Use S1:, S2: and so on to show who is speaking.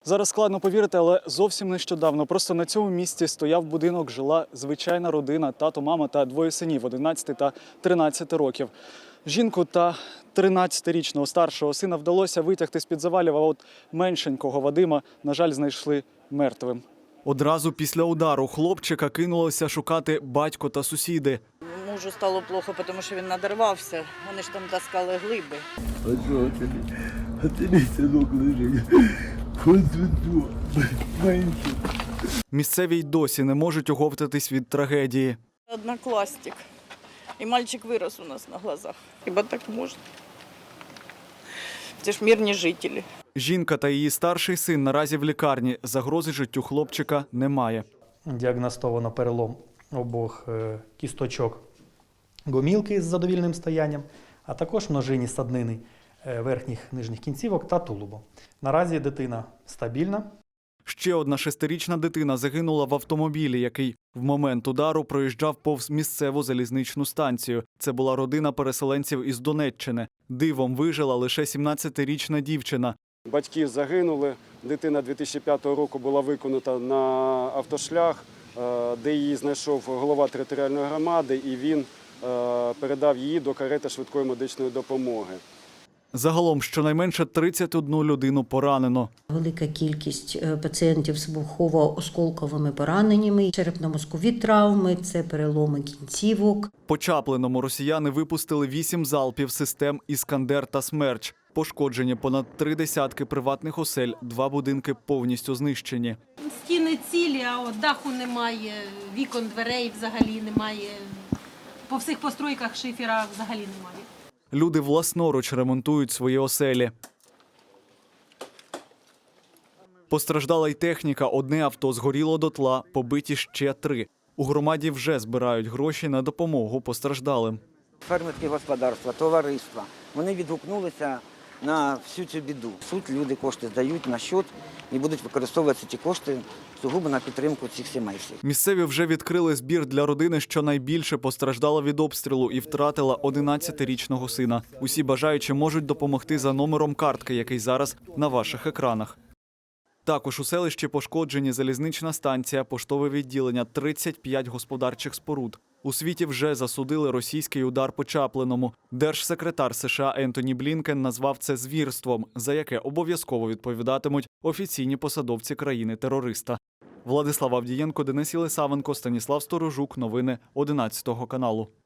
S1: Зараз складно повірити, але зовсім нещодавно просто на цьому місці стояв будинок, жила звичайна родина, тато, мама та двоє синів 11 та 13 років. Жінку та 13-річного старшого сина вдалося витягти з-під завалів, а от меншенького Вадима, на жаль, знайшли мертвим. Одразу після удару хлопчика кинулося шукати батько та сусіди.
S2: Мужу стало плохо, тому що він надорвався. Вони ж там таскали глиби.
S3: А ти синок лежить.
S1: Місцеві й досі не можуть оговтатись від трагедії.
S2: Однокласник. І мальчик вирос у нас на глазах. Хіба так можна? Це ж мирні жителі.
S1: Жінка та її старший син наразі в лікарні. Загрози життю хлопчика немає.
S4: Діагностовано перелом обох кісточок гомілки з задовільним стоянням, а також множинні саднини верхніх нижніх кінцівок та тулубу. Наразі дитина стабільна.
S1: Ще одна 6-річна дитина загинула в автомобілі, який в момент удару проїжджав повз місцеву залізничну станцію. Це була родина переселенців із Донеччини. Дивом вижила лише 17-річна дівчина.
S5: Батьки загинули. Дитина 2005 року була виконана на автошлях, де її знайшов голова територіальної громади, і він передав її до карети швидкої медичної допомоги.
S1: Загалом щонайменше 31 людину поранено.
S6: Велика кількість пацієнтів з вибухово-осколковими пораненнями, черепно-мозкові травми, це переломи кінцівок.
S1: По Чаплиному росіяни випустили 8 залпів систем «Іскандер» та «Смерч». Пошкоджені понад 3 десятки приватних осель, 2 будинки повністю знищені.
S7: Стіни цілі, а от даху немає, вікон, дверей взагалі немає. По всіх постройках шифера взагалі немає.
S1: Люди власноруч ремонтують свої оселі. Постраждала й техніка. Одне авто згоріло дотла, побиті ще 3. У громаді вже збирають гроші на допомогу постраждалим.
S8: Фермерські господарства, товариства, вони відгукнулися на всю цю біду. Суд люди кошти здають на счет і будуть використовувати ці кошти сугубо на підтримку цих сімей.
S1: Місцеві вже відкрили збір для родини, що найбільше постраждала від обстрілу і втратила 11-річного сина. Усі бажаючі можуть допомогти за номером картки, який зараз на ваших екранах. Також у селищі пошкоджені залізнична станція, поштове відділення, 35 господарчих споруд. У світі вже засудили російський удар по Чаплиному. Держсекретар США Ентоні Блінкен назвав це звірством, за яке обов'язково відповідатимуть офіційні посадовці країни-терориста. Владислав Авдієнко, Денис Єлисавенко, Станіслав Сторожук. Новини 11 каналу.